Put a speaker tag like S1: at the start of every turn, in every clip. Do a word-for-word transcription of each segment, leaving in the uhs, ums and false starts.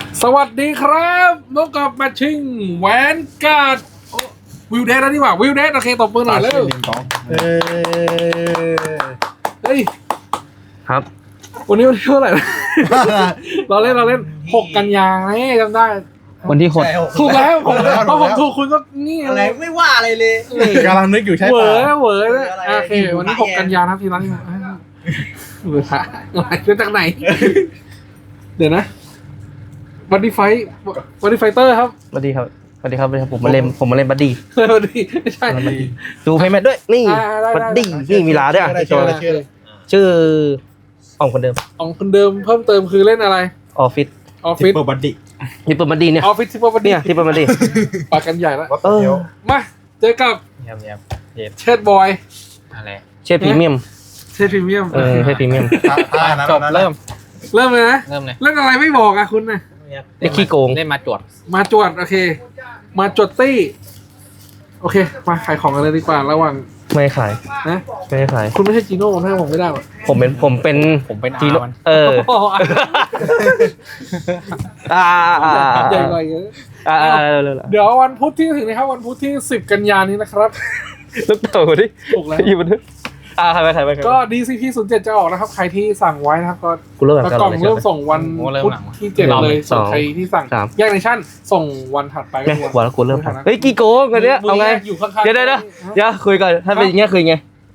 S1: สวัสดีครับพบกับแมทชิ่งแวนการ์ดวิวเดสแล้วนี่หว่าวิวเดสโอเคตบมือหน่อยเร็วเฮ้ย
S2: ครับ
S1: วันนี้วันที่เท่าไหร่เราเล่นเราเล่นหกกันยาไงจำได้
S2: วันที่หก
S1: ถูกแล้วผมเพราะผมถูกคุณก็นี่
S3: อะไรไม่ว่าอะไรเลย
S4: กำลังนึกอยู่ใช่
S1: ปะเหวอ
S4: เหว
S1: อโอเควันนี้หกกันยาครับทีนั้นเหวอฮะอะไรเรื่องจากไหนเดี๋ยวนะบัดดี้ไฟบัดดี้ไฟเตอร์ครับ
S2: บัดดี้ครับบัดดี้ครับผมมาเล่นผมมาเล่นบัดดี้
S1: บัดดี้ไม่ใช่
S2: ดูเพย์แมทด้วยนี่บัดดี้นี่มีลาด้วยตัวชื่ออ่องคนเดิม
S1: อ่องคนเดิมเพิ่มเติมคือเล่นอะไร
S2: ออฟฟิศ
S1: ออฟฟิศ
S4: ทิปเปิลบัดดี้
S2: ทิปเปิลบัดดี้เนี่ย
S1: ออฟฟิศทิปเปิลบัดดี้
S2: เนี่ยทิปเปิลบัดดี้
S1: ปากกันใหญ่แล้ว
S2: เออ
S1: มาเจอกับเชดบอย
S2: อะไรเชดพรีเมียม
S1: เชดพรีเมียม
S2: เออเชดพรีเมียม
S3: จบเริ่ม
S1: เริ่มเลยนะ
S3: เริ่มเลย
S1: เล่นอะไรไม่บอกอะคุณนะ
S2: ไอ้ขี้โกง
S3: เล่นมาจวด
S1: มาจวดโอเคมาจวดตี้โอเคมาขายของกันเลยดีกว่าระหว่าง
S2: ไม่ขาย
S1: นะ
S2: ไม่ขาย
S1: คุณไม่ใช่จีโน่ถ้าผมไม่ได้
S2: ผมเป็นผมเป็น
S3: ผมเป็น
S2: จีโน่เอออ่า
S1: ใหญ่เลย
S2: อ่า
S1: เดี๋ยววันพุธที่ถึงนะครับวันพุธที่สิบกันยายนนี้นะครับ
S2: ลูกเต๋อดิ
S1: ถูกแล้ว
S2: อยู่บนทึกอ่าใครไปใครไป
S1: ก็ ดี ซี พี ศูนย์เจ็ดจะออกนะครับใครที่สั่งไว้นะครับก็
S2: กล่
S1: องเริ่มส่งวันพุธที่เจ็ดเลยส่วนใครที่สั่งแยกในชั่นส่งวันถัดไป
S2: ก็วันแล้วกูเริ่มเฮ้ยกี่โกงกันเนี้ยเอาไงเดี๋ยวเดี๋ยวเดี๋ยวคุยกันถ้าเป็นอย่างเงี้ยคุยไง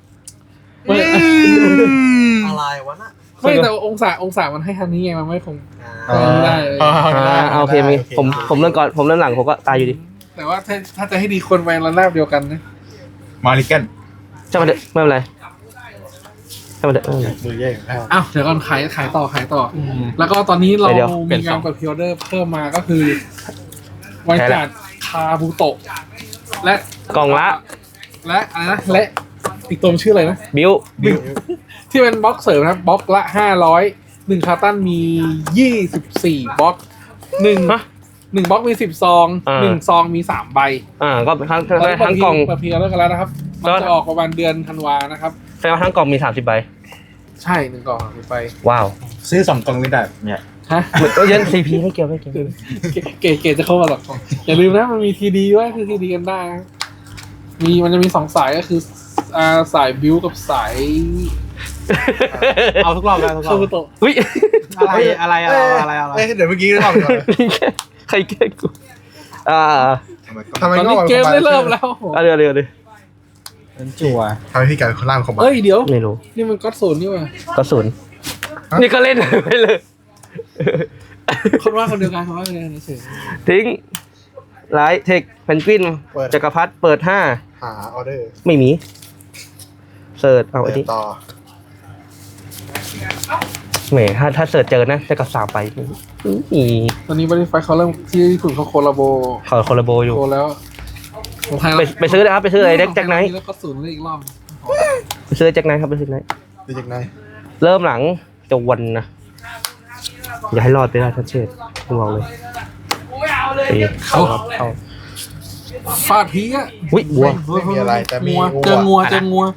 S3: อะไรวะน่ะ
S1: ไม่แต่องศาองศามันให้ทันนี้ไงมันไม่คงได้
S2: โอเคมีผมผมเริ่มก่อนผมเริ่มหลังผมก็ตายอยู่ดี
S1: แต่ว่าถ้าถ้าจะให้ดีคนแวนระนาบเดียวกันนะ
S4: มาริเกน
S2: จะมาเด็ดไม่เป็นไรจะมาเด็ด
S4: มือแย่
S1: อ้าวเดี๋ยวก่อนขายขายต่อขายต่อแล้วก็ตอนนี้เรามีงานกับพิออเดอร์เพิ่มมาก็คือไวจัดคาบูโตะและ
S2: กล่องละ
S1: และอะไรนะและอีกตัวชื่ออะไรนะ
S2: บิว
S1: บิวที่เป็นบล็อกเสริมนะครับบล็อกละห้าร้อยหนึ่งคาร์ตันมียี่สิบสี่บล็อกหนึ่งหนึ่งบล็อกมีสิบซองหนึ่งซองมีสามใบ
S2: อ่าก็ทั้งทั้งกล่อง
S1: เพียร์เลิกกันแล้วนะครับมันจะออกประมาณเดือนธันวานะครับ
S2: แสดงว่าทั้งกล่องมีสามสิบใบ
S1: ใช่หนึ่งกล่องสามสิบใบ
S2: ว้าว
S4: ซื้อสองกล่องไม่ได้เนี่ย
S1: ฮะ
S2: เหมือนก็ยันซีพีไม่เกี่ยวไม่เกี่ยว
S1: เก๋เก๋จะเข้ามาหรอกอย่าลืมนะมันมีทีดีด้วยคือทีดีกันได้มีมันจะมีสองสายก็คืออ่าสายบิวกับสาย
S3: เอาทุกรอบเลยทุกรอบ
S2: อุ้ย
S3: อะไรอะไรอะไรอะไรอะไร
S4: เดี๋ยวเมื่อกี้รอบก่อน
S2: ใครแกล้งกูอ่า
S1: ทำไมเกมได้เริ่มแล้ว
S2: อ่ะเดี๋ยวเดี๋ยวเดี๋ยว
S3: เป็นจั่ว
S4: ทำให้พี่การคนล่างเขาบอก
S1: เอ้ยเดี๋ยว
S2: ไม่รู้
S1: นี่มันก็ศูนย์นี่ว่ะ
S2: ก็ศูนย์นี่ก็เล่นไปเลย
S1: คนว่าคนเดียวกันเขาว่าคนเดียวกันเฉย
S2: ทิ้งไลท์เทคเพนกวินจักรพรรดิเปิดห้า
S4: หาออเดอร์
S2: ไม่มีเสิร์ชเอาไอ้ที่
S4: ต่อ
S2: แหมถ้าถ้าเสิร์ชเจอนะจะกับสามไปอี
S1: ตอนนี้บริไฟเขาเริ่มที่ญี่ปุ่นเขาโคลาโบ
S2: เขาโคลาโบอยู่
S1: โคแล้ว
S2: ไปไปซื้อนะครับไปซื้ออะไรเด็กแจ็คไนท์
S1: แล้วก็ศูนย์เลยอีกรอบ
S2: ไปซื้อแจ็คไนท์ครับไปซื้อไนท์
S4: ไปแจ็คไนท์
S2: เริ่มหลังจะวันนะอย่าให้รอดไปได้ทัชเชตพวกเราเลย
S1: เขาเขาฟาดพีอ่ะ
S2: อุ้ยวัว
S4: ไม่มีอะไรแต่มี
S1: เจองัวเจองัว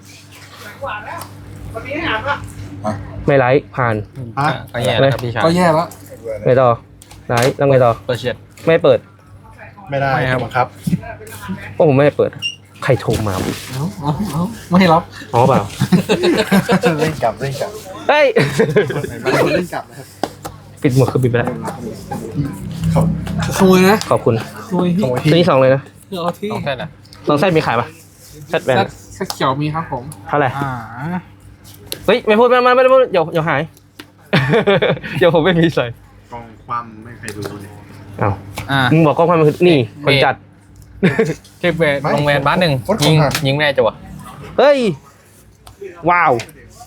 S2: ไม่ไลท์ผ่าน
S3: ก็แย่แล้วครับพี่ชาย
S1: ก็แย่แล้ว
S2: ไม่ต่อไลท์แล้วไงต่อ
S3: เปิดเชียด
S2: ไม่เปิด
S4: ไม่ได้ครับ
S2: เพราะผมไม่เปิดใครโทรมา
S1: เอ้าเอ้าเอ้าไม่รับ
S2: อ๋อเปล่า
S4: เล่นกลับเล่นกลับ
S2: เฮ้ย
S4: เล่นกลับนะครับ
S2: ปิดหมดคือปิดไปแล้ว
S1: ขโมยนะ
S2: ขอบคุณ
S1: ขโมยที่
S2: ตัวนี้สองเลยนะ
S1: เอาที่
S3: สองเส้นอ่ะ
S2: สองเส้นมีขายปะเส้นแบน
S1: เส้นเขียวมีครับผม
S2: เท่าไหร่เฮ้ยไม่พูดไม่ไม่ไม่พูดเดี๋ยวเดี๋ยวหายเดี๋ยวผมไม่มีใส่
S4: กองความไม่ใครรู้เลย
S2: อ้าวมึงบอกกองความมันคือนี่คนจัด
S3: คลิปเวทลงแวนบ้านหนึ่งยิงยิงแน่จั่ว
S2: เฮ้ยว้าว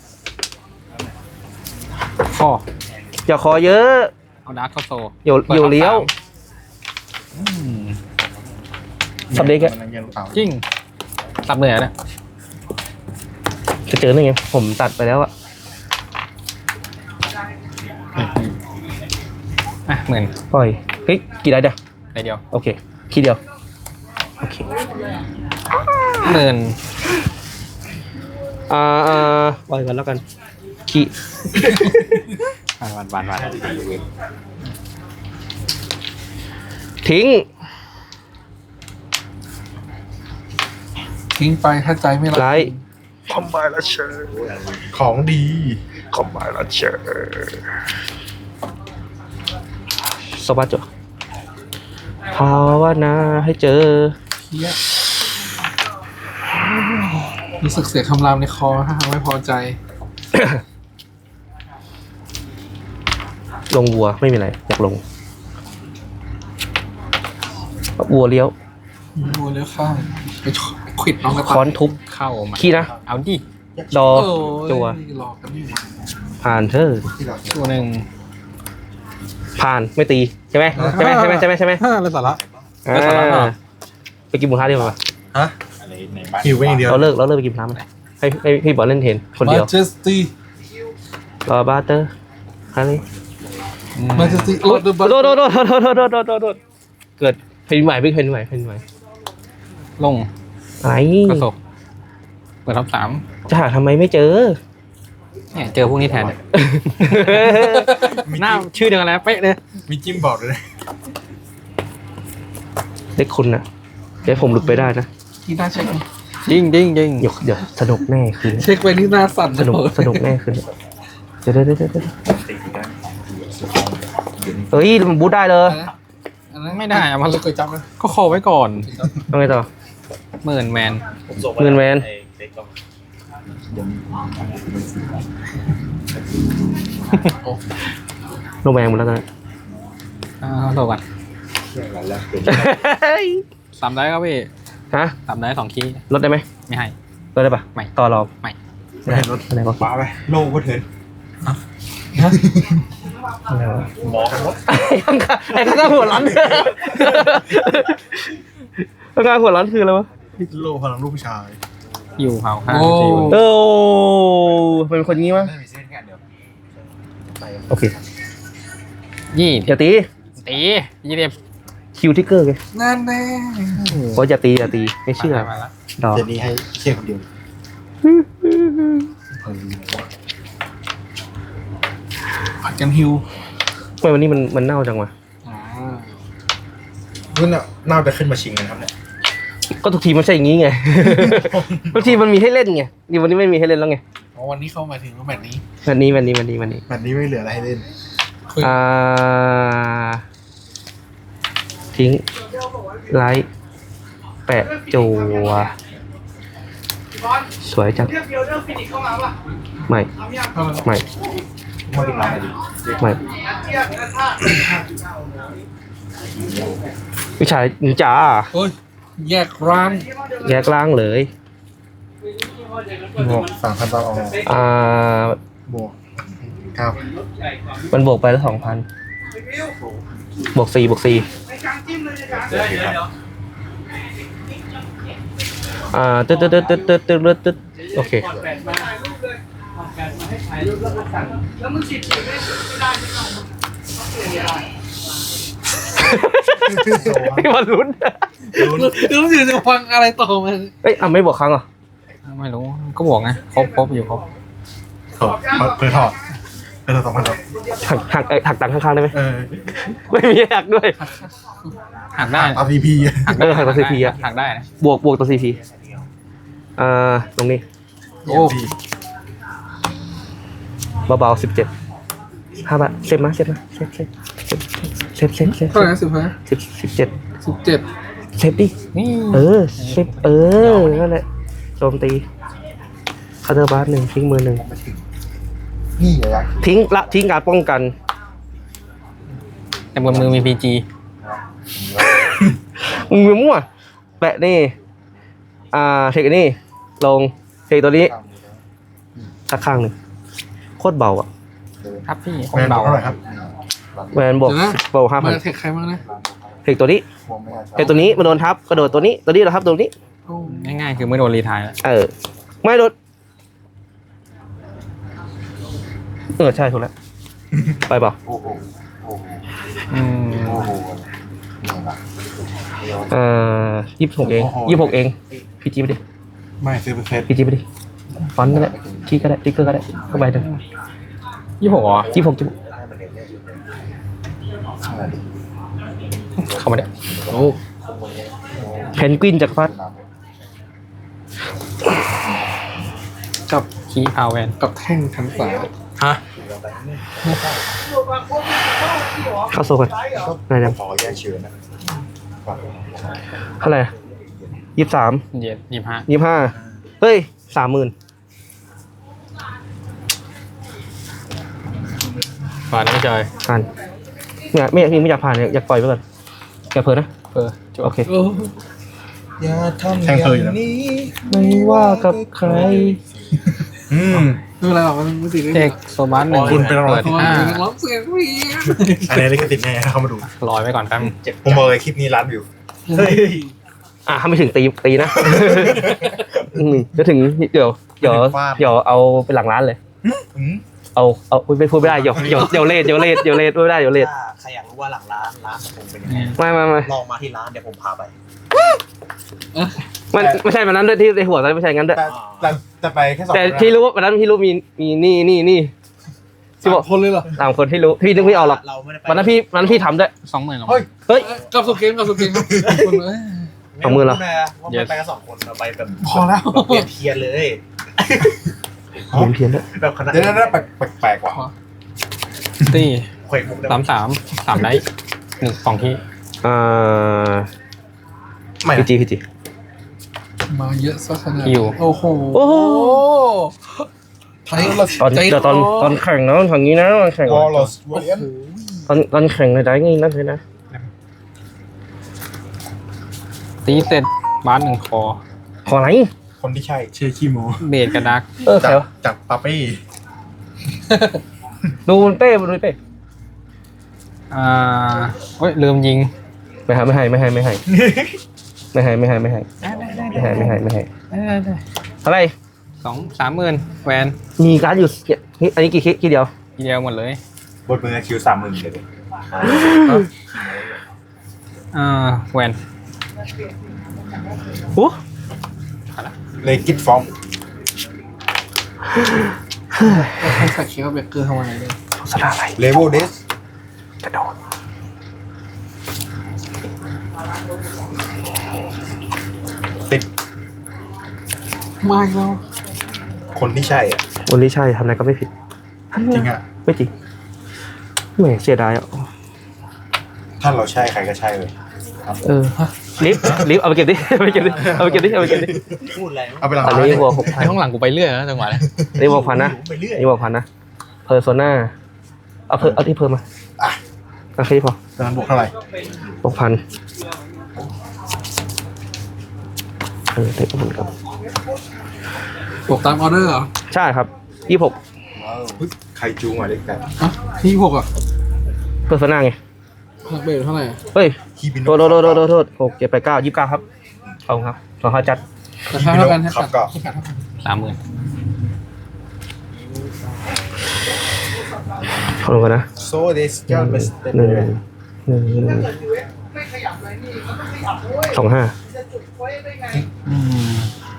S1: คอ
S2: อย่าคอเยอะ
S3: เอาดาร์คเข้าโซ
S2: โยโยเลี้ยวสับเด็กอะ
S3: จริงสับเหนื่อยนะ
S2: จะเจอได้ไงผมตัดไปแล้วอะ
S3: อ่ะเหมือน
S2: ปล่อยเฮ้ยกี่ได้เดียว
S3: ได้เดียว
S2: โอเคคีเดียวโอเค
S3: เหมือน
S2: อ่าอ่าปล่อยกันแล้วกันคี
S3: วันวันวัน
S2: ทิ้ง
S1: ทิ้งไปถ้าใจไม่รัก
S2: ไลท์
S4: คอมไบและเชอร์ของดีคอมไบและเชอร์
S2: สวัสดีภาวนาให้เจอ
S1: เฮียรู้สึกเสียคำรามในคอถ้าทำไม่พอใจ
S2: ลงวัวไม่มีอะไรอยากลงวัวเลี้ยว
S1: ดูเลี้ยวข้างไปขวิดน้องกระ
S2: ค้
S1: ต่า
S2: อย นทุบ
S3: เข้ามา
S2: ขี้นะ
S3: เอาดิ
S2: ดอ
S1: โอ้ย
S2: จัว
S1: หลอกกันนี่หว่า
S2: ผ่านเธอ
S3: ตัวหนึ่ง
S2: ผ่านไม่ตีใช่ไหมใช่ไหมใช่ไหมใช่ไหมใช่ไหม
S1: ฮ่าอะไรสาระ
S2: อ่าไปกินหมูท้าดีกว่า
S4: ฮะหิวไปอย่างเดียว
S2: เราเลิกเราเลิกไปกินหมูท้าไหมให้ให้พี่บอลเล่นเทนคนเดียว
S1: มาเจสตี้
S2: รอบาร์เตอร์ฮาร์รี่
S1: มาเจสตี้โอ้
S2: โดดโดดโดดโดดโดดโดดโดดโดดโดดโดดเกิดเพนใหม่เพนใหม่เพนใหม่
S3: ลง
S2: ไอ้
S3: กระสบเปิดท็อปสาม
S2: จะหาทำไมไม่เจอ
S3: เนี่ยเจอพวกนี้แทนเนี่ยหน้าชื่อเดียวกันแล้วเป๊ะเลย
S4: มีจิ้มบอกเลย
S2: เด็กคุณนะเดี๋ยวผมหลุดไปได้นะ
S1: ที่น่าเช็ค
S3: จริงจริงจริง
S2: เดี๋ยวเดี๋ยวสนุกแน่คืน
S1: เช็คไปที่หน้าสั่น
S2: สนุกสนุกแน่คืนเดี๋ยวเดี๋ยวเดี๋ยวเดี๋ยวเฮ้ยมันบูทได้เลย
S3: ไม่ได้อะมัน
S1: เคยจับไหม
S3: ก็คอไว้ก่อน
S2: เอาไงต่อ
S3: หมื่นแมน
S2: เงินแมนโนแมงหมดแล้วกัน
S3: อ่าโทษก่อนสามได้ครับพี่
S2: ฮะ
S3: สามได้สองคีย์
S2: ลดได้ไหม
S3: ไม่ให้
S2: ลดได้ปะ
S3: ไม่
S2: ต่อรอง
S3: ไม่
S2: ไม่ได้ลดอะไรก็
S4: ป้าไปโลกก็เถิน
S2: อะไรวะ
S4: หมอกันรถ
S2: ไอ้ข้างไอ้ข้างหัวร้อนข้างหัวร้อนคืออะไรวะ
S4: โลกพลังลูกผู้ชาย
S3: อยู่เผาข้าง
S1: โอ้
S3: สี่
S2: โอ้เป็นคนงี้มั้ยโอเค
S3: ยี่
S2: อย่าตี
S3: ตียี่สิบ
S2: คิวทิกเกอร์ไง
S1: นั่นแน่
S2: เพราะอย่าตีอย่าตีไม่เชื่อ
S3: มาแล้ว
S2: ดอก
S4: เจนี่ให้เชี่ยคนเดียว
S1: ผัดกันฮิว
S2: ทำไมวันนี้มันมันเน่าจังวะ
S1: อ่า
S4: นั่นน่ะน่าจะขึ้นมาชิงกันครับเนี่ย
S2: ก็ทุกทีมันใช่อย่างงี้ไง ทุกทีมันมีให้เล่นไงนี่วันนี้ไม่มีให้เล่นแล้วไง
S1: อ๋อวันนี้เข้ามาถึงแล้วแบบนี้
S2: วันนี้วันนี้วันนี้วันนี้
S4: แบบนี้ไม่เหลืออะไรให้เล่น
S1: คุย
S2: อ่าทิ้งไลท์แปะจัวสวยจังไม่ไม่
S4: มาเป็นร้านอะไรดี
S2: ไม่วิชานินจา
S1: โอ้ยแยกร้าน
S2: แยกล่างเลย
S4: บวกสามพันต่อออก
S2: อ่า
S4: บวกเก้า
S2: มันบวกไปแล้วสองพันบวกสี่บวกสี่อ่าตึ๊ดตึ๊ดตึ๊ดตึ๊ดตึ๊ดตึ๊ดตึ๊ดโอเคพี่บอลลุ้น
S1: รู้สึกจะฟังอะไรต่อมา
S2: เอ้ยอ่ะไม่บวกครั้งเหรอ
S3: ไม่รู้ก็บอกไงครบครบอยู่ครบ
S4: ถอดเพื่อถอดเพื่อถอดสองพันต่อ
S2: หักหักเอ้ยหักตังค์ข้างๆได้ไหม
S4: เออ
S2: ไม่มีหักด้วย
S3: หักได้
S4: อาร์พีพี
S2: เออหักตัว ซี พี อะ
S3: หักได้นะ
S2: บวกบวกตัว ซี พี อ่าตรงนี้
S1: โอ้
S2: เบาๆสิบเจ็ดห้าบาทเซฟมาเซฟมาเซฟเซฟเซฟเซฟเซฟ
S1: เท่าไหร่นะสิบห้า
S2: สิบสิบเจ็ด
S1: สิบเจ็ด
S2: เซฟดิ
S3: นี่
S2: เออเซฟเออนั่นแหละโจมตีคาร์เตอร์บาร์หนึ่งทิ้งมือหนึ่ง
S4: นี่อย่ายัก
S2: ทิ้งละทิ้งการป้องกัน
S3: แต่บนมือมีพีจี
S2: มึงมั่วแปะนี่ อ่าเทคอันนี่ลงเทคตัวนี้สักข้างหนึ่งโคตรเบาอ่ะ
S3: ครับพี่ค
S4: แม
S3: น
S4: นบอ
S3: เบาก
S4: เท่าไหร่ครับ
S2: แวนบวกบวกห้าพั
S1: มาน เทคใครบ้างนะ
S2: เทคตัวนี้เทคตัวนี้มาโดนทับกระโดดตัวนี้ตัวนี้เราทับตัวนี้
S1: โอ้
S3: ง่ายๆคือไม่โดนรีไทายแล้ว
S2: เออ ไม่โดนเออใช่ถูกแล้วไปเปล่า
S3: อืม
S2: เอ่อยี่สิบหกเองยี่สิบหกเองพี่จีไปดิ
S4: ไม่ซื้อเป็นเซต
S2: พี่จีไปดิฟอนต์ก็ได้คีย์ก็ได้ติ๊กเกอร์ก็ได้เข้าไปหนึ่ง
S3: ยี่สิบหกเหรอ
S2: ยี่สิบหกจุด
S3: เข้ามาเดี๋ยว
S1: โอ้
S2: เพนกวินจักรพรรดิ
S1: กับ
S3: คีพาวเวน
S1: กับแท่งทั้งสาย
S3: ฮะ
S2: เข้าโซ่กันไหนเนี่ย
S4: ขอแยกเชิญนะ
S2: เท่าไหร่ยี่สิบสาม
S3: เย็ดยี่ห้า
S2: ยี่สิบห้าเฮ้ยสามหมื่น
S3: ผ่านไม่เจอ
S2: ผ่านเนี่ยไม่อยากไม่อยากผ่านเนี่ยอยากปล่อยไปก่อนอย่าเพิ่นะ
S3: เออจบ
S2: โอเค
S1: โอ้
S4: อย่าทำอย่างนี้
S2: ไม่ว่ากับใคร
S4: อืม
S1: ไม่เป็นไรหรอกมันไม่ติดเลย
S3: เด็กโซบัสหนึ่ง
S4: คุณเป็นอะไร
S3: เปิด
S1: เพราะว่า
S3: ห้า
S1: เป็นนักร้องเสียงเรียน
S4: อันนี้ลิขสิทธิ์แน่เข้ามาดู
S3: ลอยไว้ก่อนแป๊บ
S4: ผมบอกเลยคลิปนี้ร้านวิวเฮ้ย
S2: อ่ะถ้าไม่ถึงตีตีนะ อืมจะถึงเดี๋ยวเดี๋ยวเดี๋ยวเอาไปหลังร้านเลย
S4: อืม
S2: เอาเอาอุ๊ยไม่พูดไม่ได้เดี๋ยวเดี๋ยวเดี๋ยวเลทเดี๋ยวเลทเดี๋ยวเลทไม่ได้เดี๋ยวเลท
S5: ถ้าใครอยากรู้ว่าหลังร้านร้านผมเป็นยังไง
S2: ไม่ไม่ไม่
S5: ลองมาที่ร้านเดี๋ยวผมพาไป
S2: มันไม่ใช่วันนั้นด้วยที่ในหัวตอนนนไม่ใช่งั้นด้วย
S4: แต่แต่แต่ไปแค่สอง
S2: แต่ที่รู้ว่าวันนั้นพี่รู้มีมีนี่นี่นี่ที่
S1: สา
S2: บอ
S1: ม
S2: ก
S1: คนเลยเหรอ
S2: สามคนที่รู้พี่นึกไม่ออกหรอก
S5: เราไม่ได้ไป
S2: วันนั้นพี่วันนั้นพี่ทำด้วย
S3: สองหมื่นหรอ
S4: เฮ้ย
S2: เฮ้ย
S1: กลับสุเกมกลับสุเกมครับคนเลย
S2: สองหมื่นเหรอ
S5: ไรู้นะว่ามันไปกันสองคนเราไปแบบ
S1: พอแล้ว
S5: แบบเปลี่ยนเทียนเลย
S2: เพี้ยนเพี้ยนด้วย
S5: แบบคณะ
S4: เดี๋ยวนั้นแปลกแปลกๆว่ะ
S3: ตี
S5: เขวกมุกได้
S3: สามสามสามได้หนึ่งสองที่
S2: อ่า
S4: ไม่
S2: พีจีพีจี
S1: มาเยอะสักขนาด
S3: คิว
S1: โอ้โห
S2: โอ้โห
S1: ไทยละ
S2: ตอนเดี๋ยวตอนตอนแข่งนะทางนี้นะตอนแข่ง
S4: วอลลสวอลเลน
S2: ตอนตอนแข่งในได้งี้นั่นเลยนะ
S3: ตีเสร็จบาสหนึ่งคอ
S2: ขออะไร
S4: คนที่ใช่เชื่อขี้โม
S3: เบดกระดัก
S2: เออใคร
S4: จาก
S2: วะ
S4: จากปาเป้
S2: ดูมันเป้ดูเป้
S3: อ่าเฮ้ยลืมยิง
S2: ไม่ให้ไม่ให้ไม่ให้ไม่ให้ไม่ให้ไม่ให้ไม่ให้ไม่ให้ไม่ให้ไม่ให้อะไร
S3: สองสามหมื่นแวน
S2: มีการ์ดอยู่นี่อันนี้กี่คิกี่เดียว
S3: ทีเดียวหมดเลย
S4: บทมือคิวสามหมื่นเลย
S3: อ่าแวน
S2: โอ้
S4: เลกิตฟอร์ม
S1: ใครใส่เคียวเบเกอร์เข้ามาเลย
S2: สลาอะไร
S4: เลเวลเดส
S2: กระโดด
S4: ติด
S1: มาอีกแล้ว
S4: คนที่ใช่อ่ะ
S2: วันนี้ใช่ทำอะไรก็ไม่ผิด
S4: จริงอ่ะ
S2: ไม่จริงแหมเสียดายอ่ะ
S4: ถ้าเราใช่ใครก็ใช่เลย
S2: เออลิฟต์ลิฟต์เอาไปเก็บดิเอาไปเก็บดิเอาไปเก็บดิเอาไปเก็บดิ
S5: พูดอะไร
S4: เอาไปหลัง
S2: อัน
S4: ร้าน
S2: นี้วัวหกพัน
S3: ไอ้ข้างหลังกูไปเรื่อยแล้วจังหวะนี้
S2: อันนี้วัวพันนะ
S5: ไปเรื่อย
S2: อันนี้วัวพันนะเพอร์โซนาเอาเพอเอาที่เพิ่มมาโอเคพอ
S4: ตอนนั้นบวกเท่าไหร่
S2: หกพันเออเด็กคนครับ
S1: บวกตามออเดอร์เหรอ
S2: ใช่ครับยี่หก
S4: อุ๊ยใครจูงอ่ะเด็กแต่
S1: อ่ะที่หกอ่ะ
S2: เพอร์โซนาไง
S1: เบรเท่าไหร่
S2: เฮ้ย
S4: คีบิน
S2: โทษโทษโทษโทษโทษหกเจ็ดแปดเก้ายี่สิบเก้าครับขอบคุณครับขอเขาจัด
S1: ราคาเท่ากันให้
S4: ครั
S1: กั
S4: บ
S1: ด
S4: ก็
S1: ให้กัดเท่ากัน
S3: สามหมื่น
S2: ขอบคุณนะ
S4: โซเดสเจ้าเบสเต
S2: หนึ่งหนึ่งหนึ่งสองห้า
S3: อืม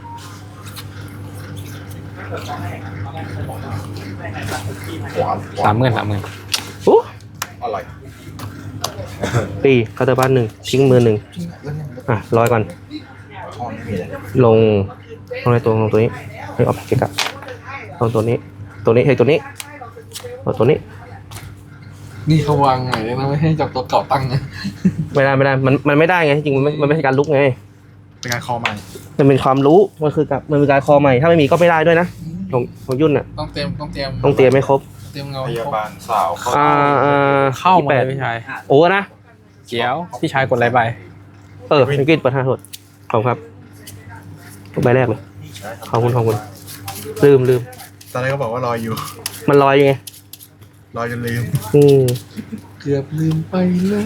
S4: หวาน
S3: สามหมื่นสามหมื่น
S2: โอ้
S4: อร่อย
S2: ตีคาร์เตอร์บ้านหนึ่งทิ้งมือหนึ่งอ่ะร้อยก่อน
S4: ทอนไม่มีเลย
S2: ลงลงในตัวลงตัวนี้เฮ้ยออกเกะกะลงตัวนี้ ตัวนี้เฮ้ยตัวนี้เอาตัวนี้
S1: นี่เขาวางไงนะไม่ให้จับตัวเก่าตั้งนะ
S2: ไม่ได้ไม่ได้มันมันไม่ได้ไงจริงๆมันไม่มันไม่ใช่การลุกไง
S4: เป็นการคอใหม่
S2: มันเป็นความรู้มันคือการมันเป็นการคอใหม่ถ้าไม่มีก็ไม่ได้ด้วยนะของของยุ่นอ่ะ
S1: ต้องเตรียมต้องเตรียม
S2: ต้องเตรียมไม่ครบ
S1: เตรียมเงา
S4: พยาบาลสาวเข้า
S2: อ่าอ่า
S3: เข้า
S2: ยี่
S3: มา
S2: แป
S3: เล
S2: ด
S3: ยพี่ชาย
S2: โอ้นะ
S3: เจียวพี่ชายกดอะไรไป
S2: เออเป็นกินเปิดห้าโทษขอบคุณครับใบแรกเลยขอบคุณขอบคุณลืมลืม
S4: ตอนแรกก็บอกว่ารออยู่
S2: มันลอยอยู่ไง
S4: รอจนลืม
S2: อืม
S1: เกือบลืมไปแล้ว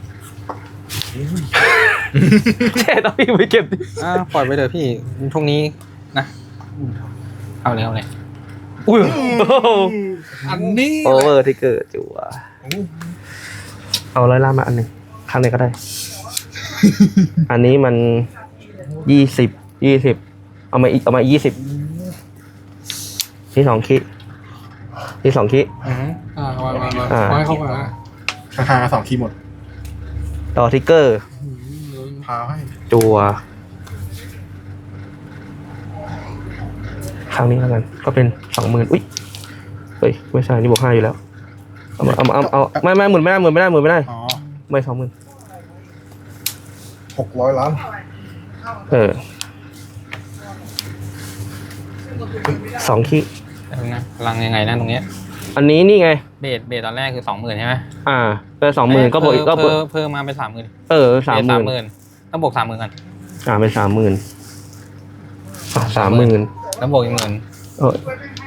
S2: แช่ต้องพี่ไปเก็บดิ
S3: อ่าปล่อยไปเถอะพี่พรุ่งนี้นะเอาเลยเอาเลย
S2: อุ้ย
S1: อันนี้
S2: โอเวอร์ที่เกิดจัวเอาร้อยล่ามาอันหนึ่งข้างไหนก็ได้ อันนี้มันยี่สิบยี่สิบเอามาอีกเอามายี่สิบที่สองคิที่สองคิ
S3: อือฮึ
S1: อ่าวางวางวาง
S2: อ่า
S1: วางให้เขาก่อนนะ
S4: ข้างๆกันสองคีย์หมด
S2: ต่อทิกเกอร์
S1: อืม
S4: พาให้
S2: จัวครั้งนี้แล้วกัน ก็เป็นสองหมื่นอุ้ยเฮ้ยไม่ใช่นี่บวกห้าอยู่แล้วเอามาเอามาเอาเอาไม่ไม่หมื่นไม่ได้หมื่นไม่ได้หมื่นไม่ได้
S4: อ๋อ
S2: ไม่สองหมื่น
S4: หกร้อยล้าน
S2: เออสองขีด
S3: แต่นะพลังยังไงนะตรงเนี้ย
S2: อันนี้นี่ไง
S3: เบสเบสตอนแรกคือสองหมื่นใช่ไหม
S2: อ่าเป็นสองหมื่นก็บวกอีกก็บวก
S3: เพิ่มเพิ่มมาเป็นสามหมื่น
S2: เออสามหมื่น
S3: หมื่นต้องบวกสามหมื่นกัน
S2: อ่าเป็นสามหมื่นสามหมื่น
S3: แล้วบวกอีกหมื่น
S2: เออ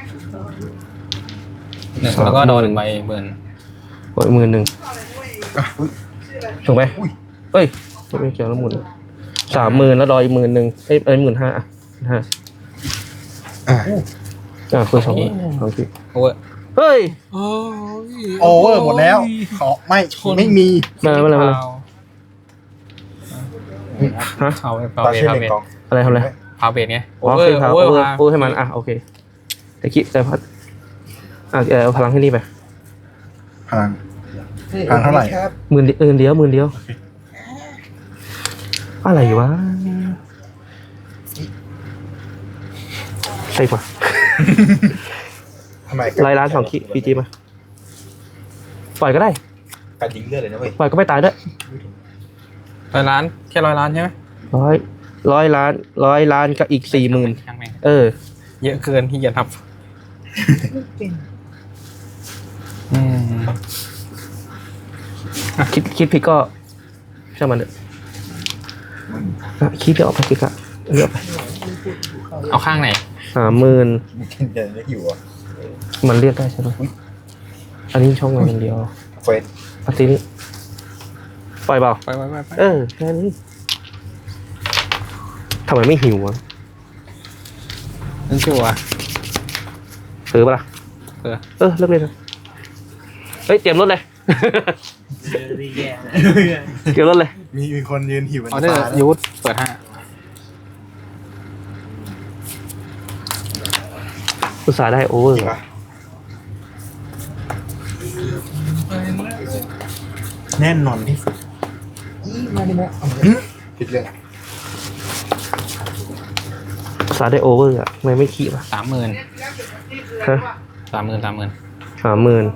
S3: หนึ่ง
S2: สาม
S3: แล้วก็โดน
S2: หมื่น
S3: หนึ่งใบหมื่น
S2: บวกอีกหมื่นหนึ่ง
S4: อ่ะอุ๊ย
S2: ถูกไหมเอ้ยไม่เกี่ยวแล้วหมื่นสามหมื่นแล้วรออีกหมื่นหนึ่งเอ้ยเอ้ยหมื่นห้าอ่ะห้า
S4: อ่ะ
S2: อ่าคือสองสองขีด
S3: โอเวอร์
S2: เฮ้ย
S1: โอ้ย
S4: โอเวอร์หมดแล้ว ขอไม่ไม่มี
S2: มามาเลยมาเลย ฮะ
S3: เอาพา
S4: ตา
S3: เบส
S4: เช่น
S3: พา
S4: หนึ่
S3: เบ
S4: ง
S3: ส
S4: กอง
S2: อะไรทำอะไร
S3: พาเบสไงโอ
S2: อ๋อ
S3: เวอ
S2: คือ
S3: ร์
S2: พา
S3: โอ
S2: โอ
S3: เวอ
S2: เวอ
S3: ร์
S2: ร์
S3: พา
S2: โอเวอร์ให้มันอ่ะโอเคแต่คิดแต่พัดอ่ะเอาพลังให้นี่ไป
S4: พลังพลังเท่าไหร่
S2: หมื่นเออเดียวหมื่นเดียวอะไรวะใช่ปะ
S4: ทำไม
S2: รายล้านสองขีดพีจีมาปล่อยก็ได้
S5: การยิงเลือดเลยนะเว้ย
S2: ปล่อยก็ไม่ตายด้วย
S3: ร้อยล้านแค่ร้อยล้านใช่ไหม
S2: ร้อยร้อยล้านร้อยล้านกับอีกสี่หมื่น
S3: ช่างแม่ง
S2: เออ
S3: เยอะเกินที่จะทับอืม
S2: คิดคิดผิดก็ช่างมันเถอะอ่ะคิดเดี๋ยวออกไปคิดอะเลือกไป
S3: เอาข้างไหน
S2: สามหมื่น
S5: มีกินเดินได้อยู่อ่ะ
S2: มันเรียกได้ใช่ไหมอันนี้ช่องมาอย่างเดียว
S5: เฟส
S2: อันนี้ปล่อยเปล่า
S3: ไปไปไปไป
S2: เออแค่นี้ทำไมไม่หิวอ่ะ
S3: นั่นชัวร์
S2: ซื้อปะล่ะ
S3: เออ
S2: เออเลิกเลยนะเฮ้ยเตรียมรถเลย เตรียมรถเลย
S4: มีมีคนยืนหิว
S3: ออเดอร์ยูทเปิดห้า
S2: อุตส่าห์ได้โอเวอร์
S4: จริงปะแน่นอนที่สุดผิดเรื่อง
S2: อุตส่าห์ได้โอเวอร์อ่ะทำไมไม่ขี้ป่ะ
S3: สามหมื่น
S2: ฮะ
S3: สามหมื่นสามหมื่น
S2: สามหมื่น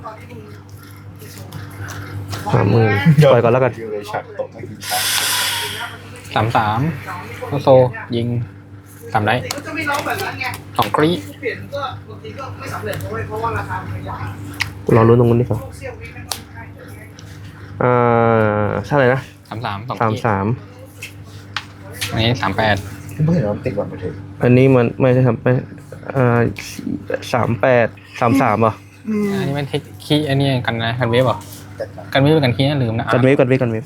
S2: สามหมื่นปล่อยก่อนแล้วกัน
S4: ดิวเลยฉากตกไม่กินฉาก
S3: สามสามโอโซยิงสามได้
S6: ก็จะไม่ร้องแบบนั้นไง
S3: สองกรี
S6: เปลี่ยนก็บางทีก็ไม่สำเร็จเพราะว่าเพราะว่าราคามันไม่ได้
S2: รอรุ้นตรงนู้นดีกว่า
S6: เซี่ยววิไม่ต้องใช้
S2: อ่าเท่าไหร่นะ
S3: สามสามสอง
S2: สาม
S3: กรี
S2: สาม
S3: อันนี้สามแปด
S5: เพิ่งเห็นว่ามันติดวันไปเถอะ
S2: อันนี้มันไม่ใช่สามแปดอ่าสามแปดสามสามอ่ะ
S3: อันนี้มันเทคคีอันนี้กันนะกันเวฟเหรอกันเวฟกันคีนะลืมนะ
S2: กันเวฟกันเวฟกันเวฟ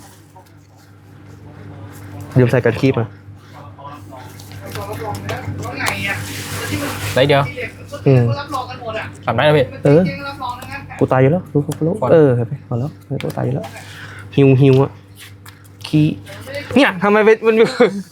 S2: ลืมใส่กันคีบมา
S6: ไงอ่ะ
S3: ได้เดียว
S2: อืม
S6: รับรองกันหมดอ่ะ
S3: สามได้แล้วพี่
S2: เออ
S6: รับรองนะงั้น
S2: กูตายอยู่แล้วรู้กูรู้เออเห็นไหมพอแล้วเออกูตายอยู่แล้วฮิวฮิวอ่ะคีเนี่ยทำไมเป็นมันอยู่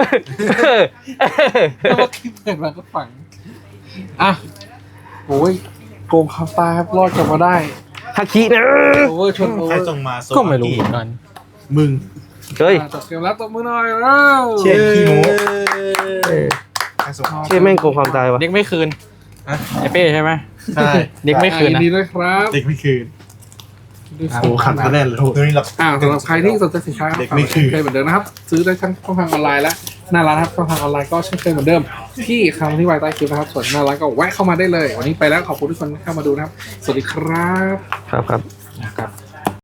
S1: แล้วก็คลิปเปิดมาก็ฝังอ่ะโอ้ยโกงคาตาครับรอดกลับมาได้
S2: ฮาคินะ
S1: โอเวอร์ชนโอ
S5: ใค
S1: เว
S5: ร
S1: อร์
S5: ส่งมาโซ
S3: ก็ไม่รู้เหมือนกัน
S4: มึง
S2: เฮ้ย
S1: อ่ะจบเกมแล้วตบมือหน่อยแล้ว
S4: เชี่ยขี้โม้
S2: เออ
S4: ใครส่ง
S2: เชี่ยแม่งโกงความตายวะ
S3: เด็กไม่คืนไอเป้ใช่ไหม
S4: ใช่
S3: เด็กไม่คืน
S1: ยิ
S3: นะ
S1: นดีด้วยครับ
S4: เด็กไม่คืน
S1: ด้วย
S4: โอ้ขัดคะแนนเลยตัวนี้เรา
S1: อ่าสำหรับใครที่สนใจสินค้า
S4: เด็กไม่คืน
S1: เคยเหมือนเดิมนะครับ ซื้อได้ทั้งช่องทางออนไลน์และหน้าร้านครับช่องทางออนไลน์ก็เช่นเคยเหมือนเดิม ที่คำที่ไว้ใต้คลิปนะครับ ส่วนหน้าร้านก็แวะเข้ามาได้เลย วันนี้ไปแล้วขอบคุณทุกคนที่เข้ามาดูนะครับ สวัสดีครับ
S2: ครับครับ
S1: ครับ